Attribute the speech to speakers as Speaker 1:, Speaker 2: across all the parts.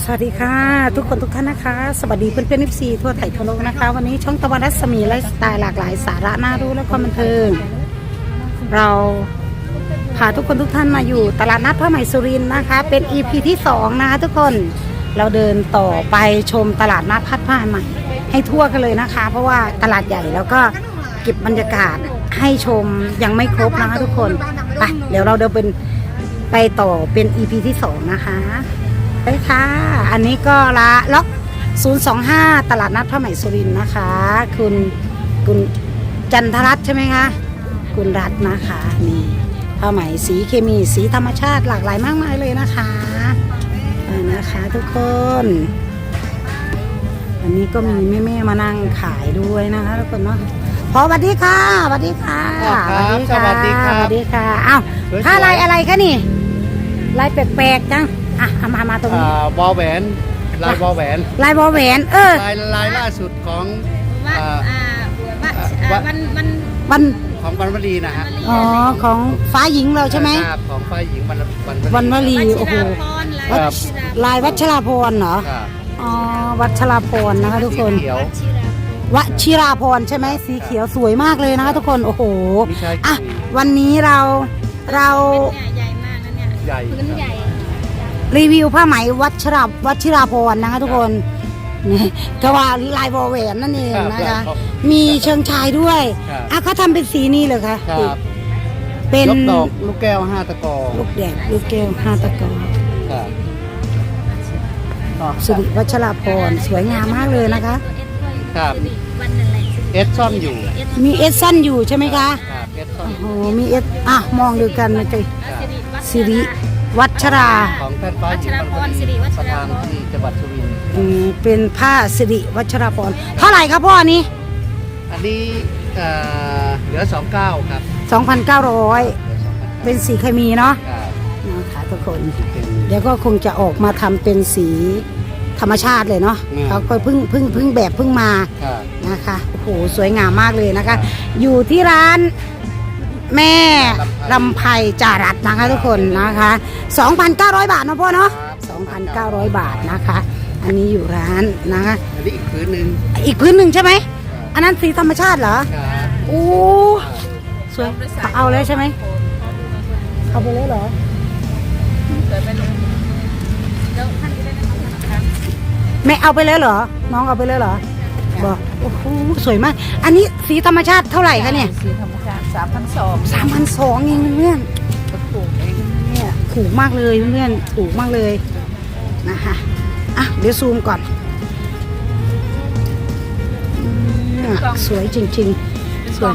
Speaker 1: วัสดีค่ะทุกคนทุกท่านนะคะสวัสดีเพื่อนเพื่อนFCทั่วไทยทั่วโลกนะคะวันนี้ช่องตะวันรัศมีไลฟ์สไตล์หลากหลายสาระน่ารู้และความบันเทิงเราพาทุกคนทุกท่านมาอยู่ตลาดนัดผ้าไหมสุรินทร์นะคะเป็น EP ที่2นะคะทุกคนเราเดินต่อไปชมตลาดนัดผ้าไหมให้ทั่วกันเลยนะคะเพราะว่าตลาดใหญ่แล้วก็เก็บบรรยากาศให้ชมยังไม่ครบนะคะทุกคนไปเดี๋ยวเราเดินไปต่อเป็น EP ที่2นะคะไปค่ะอันนี้ก็ละล็อก025ตลาดนัดผ้าไหมสุรินทร์นะคะคุณจันทรัตน์ใช่ไหมคะคุณรัตน์นะคะนี่ผ้าไหมสีเคมีสีธรรมชาติหลากหลายมากมายเลยนะคะนะคะทุกคนอันนี้ก็มีแม่ๆมานั่งขายด้วยนะคะทุกคนเนาะพอสวัสดีค่ะสวัสดีค่ะ
Speaker 2: สวัสดีค่ะ
Speaker 1: สวัสดีค่ะอ้าวผ้าลายอะไรคะนี่ลายแปลกๆจังอ่ะมาตรงนี้
Speaker 2: วอลแหวนลายวอลแหวน
Speaker 1: ลายวอลแหวน
Speaker 2: ลายล่าสุดของ
Speaker 1: วัน
Speaker 2: ของวันวลีนะฮะ
Speaker 1: อ๋อของฟ้าหญิงเราใช่ไหม
Speaker 2: ของฟ้าหญิง
Speaker 1: วันวลีโอ้โหลายวัชราพรเหรออ๋อวัชราพรนะคะทุกคนวชิราพรใช่ไหมสีเขียวสวยมากเลยนะคะทุกคนโอ้โหอ่ะวันนี้เรา
Speaker 3: ใหญ่มากนะเนี่ย
Speaker 2: ใหญ่
Speaker 3: พื้นใหญ่
Speaker 1: รีวิวผ้าไหมวัชิราพรนะคะทุกคนนี่ก็ว่าลายวอลแหวนนั่นเองนะคะมีเชิงชายด้วยอ่ะเขาทำเป็นสีนี้เลยค่ะ
Speaker 2: เป็นดอกลูกแก้ว5 ตะกอ
Speaker 1: ลูกแดดลูกแก้ว5 ตะกอสิริวัชราพรสวยงามมากเลยนะคะ
Speaker 2: ครับเอสซ่อนอยู่
Speaker 1: มีเอสซ่อนอยู่ใช่ไหมคะโอ้โหมีเอสอ่ะมองดูกันนะจ๊ะสิริวัชรา
Speaker 2: ของแพทย์ฟ้าหญิงประธานที่จังหวัดสุรินทร์
Speaker 1: เป็นผ้าสิริวัชราพรเท่าไหร่ครับพ่อนี้
Speaker 2: อันนี้เหลือ29ครับ
Speaker 1: 2,900เป็นสีเคมีเนาะนะคะทุกคนเดี๋ยวก็คงจะออกมาทำเป็นสีธรรมชาติเลยเนาะเขาก็เพิ่งแบบเพิ่งมานะคะโอ้โหสวยงามมากเลยนะคะอยู่ที่ร้านแม่ลำไพจารัตนะคะทุกคนนะคะ 2,900 บาทนะพ่อเนาะ 2,900 บาทนะคะอันนี้อยู่ร้านนะคะ
Speaker 2: อันนี้อีกพื้นห
Speaker 1: นึ่งใช่ไหมอันนั้นสีธรรมชาติเหรอโอ้สวยเอาเลยใช่ไหมเอาไปเลยเหรอแม่เอาไปเลยเหรอน้องเอาไปเลยเหรอบอกโอ้โหสวยมากอันนี้สีธรรมชาติเท่าไหร่คะเนี่ย
Speaker 3: สีธรรมชาติ
Speaker 1: 3,200เองเพื่อนถูกเองเนี่ยถูกมากเลยเพื่อนถูกมากเลยนะคะอ่ะเดี๋ยวซูมก่อนสวยจริงๆสวย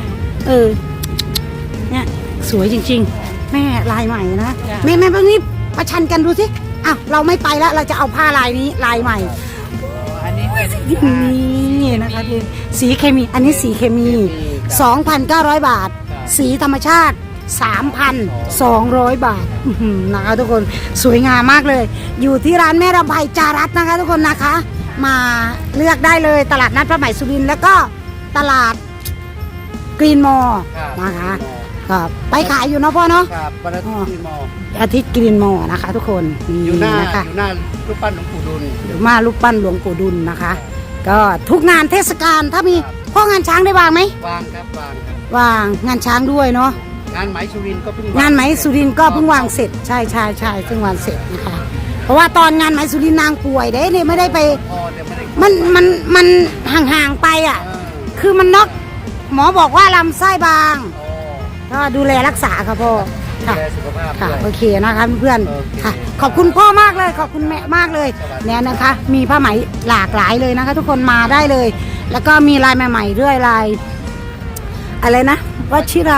Speaker 1: เนี่ยสวยจริงๆแม่ลายใหม่นะแม่ตรงนี้ประชันกันดูสิอ้าวเราไม่ไปแล้วเราจะเอาผ้าลายนี้ลายใหม่
Speaker 3: อันนี้
Speaker 1: นี่นะคะสีเคมีอันนี้สีเคมี 2,900 บาทสีธรรมชาติ 3,200 บาทนะคะทุกคนสวยงามมากเลยอยู่ที่ร้านแม่ลำไพจารัตน์นะคะทุกคนนะคะมาเลือกได้เลยตลาดนัดผ้าไหมสุรินทร์แล้วก็ตลาดกรีนมอลล์นะคะไปขายอยู่เนาะพ่อเนาะอาทิตย์กรีนมอลล์นะคะทุกคน
Speaker 2: อยู่หน้ารูปปั้นหลวงปู่ดุล
Speaker 1: อยู่มารูปปั้นหลวงปู่ดุลนะคะก็ทุกงานเทศกาลถ้ามีพ่องานช้างได้วางไหม
Speaker 2: วางครับ
Speaker 1: วางงานช้างด้วยเนาะ
Speaker 2: งานไหมสุรินทร์ก็เพิ่ง
Speaker 1: งานไหมสุรินทร์ก็เพิ่งวางเสร็จใช่เพิ่งวางเสร็จนะคะเพราะว่าตอนงานไหมสุรินทร์นางป่วยเนี่ยไม่ได้ไปมันห่างๆไปอ่ะคือมันน็อกหมอบอกว่าลำไส้บางก็ดูแลรักษาค่ะพ่อค่ะโอเคนะคะเพื่อนค่ะขอบคุณพ่อมากเลยขอบคุณแม่มากเลยเนี่ยนะคะมีผ้าไหมหลากหลายเลยนะคะทุกคนมาได้เลยแล้วก็มีลายใหม่ๆด้วยลายอะไรนะวัชิร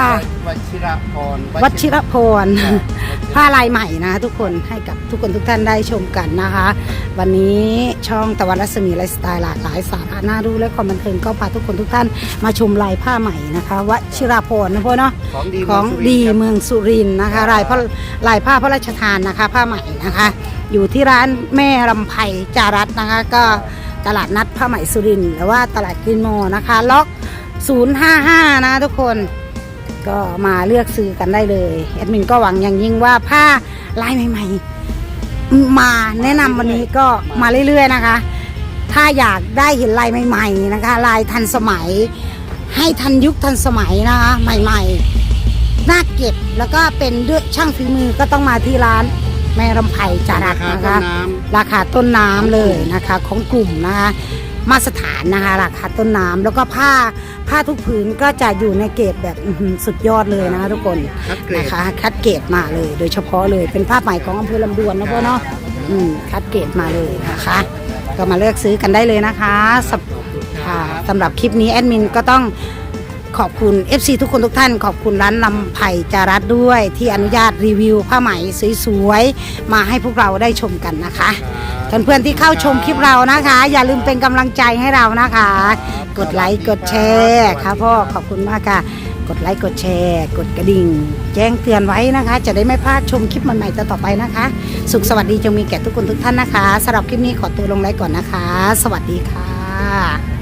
Speaker 1: พรผ้าลายใหม่นะทุกคนให้กับทุกคนทุกท่านได้ชมกันนะคะวันนี้ช่องตะวันรัศมีไลฟ์สไตล์หลากหลายสาระน่ารู้และความบันเทิงก็พาทุกคนทุกท่านมาชมลายผ้าใหม่นะคะวชิราพรนะพ่อเนาะของดีเมืองสุรินทร์นะคะลายผ้าพระราชทานนะคะผ้าใหม่นะคะอยู่ที่ร้านแม่ลำไพจารัตน์นะคะก็ตลาดนัดผ้าไหมสุรินทร์หรือว่าตลาดกรีนมอลล์นะคะล็อก055นะทุกคนก็มาเลือกซื้อกันได้เลยแอดมินก็หวังอย่างยิ่งว่าผ้าลายใหม่ๆมาแนะนำวันนี้ก็มาเรื่อยๆนะคะ ถ้าอยากได้เห็นลายใหม่ๆนะคะลายทันสมัยให้ทันยุคทันสมัยนะคะใหม่ๆน่าเก็บแล้วก็เป็นด้วยช่างฝีมือก็ต้องมาที่ร้านแม่รำไพจารัสนะคะราคาต้นน้ำเลยนะคะของกลุ่มนะคะมาตรฐานนะคะราคาต้นน้ำแล้วก็ผ้าทุกผืนก็จะอยู่ในเกรดแบบสุดยอดเลยนะคะทุกคนนะคะคัดเกรดมาเลยโดยเฉพาะเลยเป็นผ้าไหมของอำเภอลำดวนนะพ่อเนาะคัดเกรดมาเลยนะคะก็มาเลือกซื้อกันได้เลยนะคะสำหรับคลิปนี้แอดมินก็ต้องขอบคุณ FC ทุกคนทุกท่านขอบคุณร้านลำไผ่จารัสด้วยที่อนุญาตรีวิวผ้าไหมสวยๆมาให้พวกเราได้ชมกันนะคะเพื่อนๆที่เข้าชมคลิปเรานะคะ อย่าลืมเป็นกำลังใจให้เรานะคะ กดไลค์กดแชร์ค่ะพ่อขอบคุณมากค่ะกดไลค์กดแชร์กดกระดิ่งแจ้งเตือนไว้นะคะ จะได้ไม่พลาดชมคลิปใหม่ๆต่อไปนะคะ สุขสวัสดีจงมีแก่ทุกคนทุกท่านนะคะสำหรับคลิปนี้ขอตัวลงไลค์ก่อนนะคะ สวัสดีค่ะ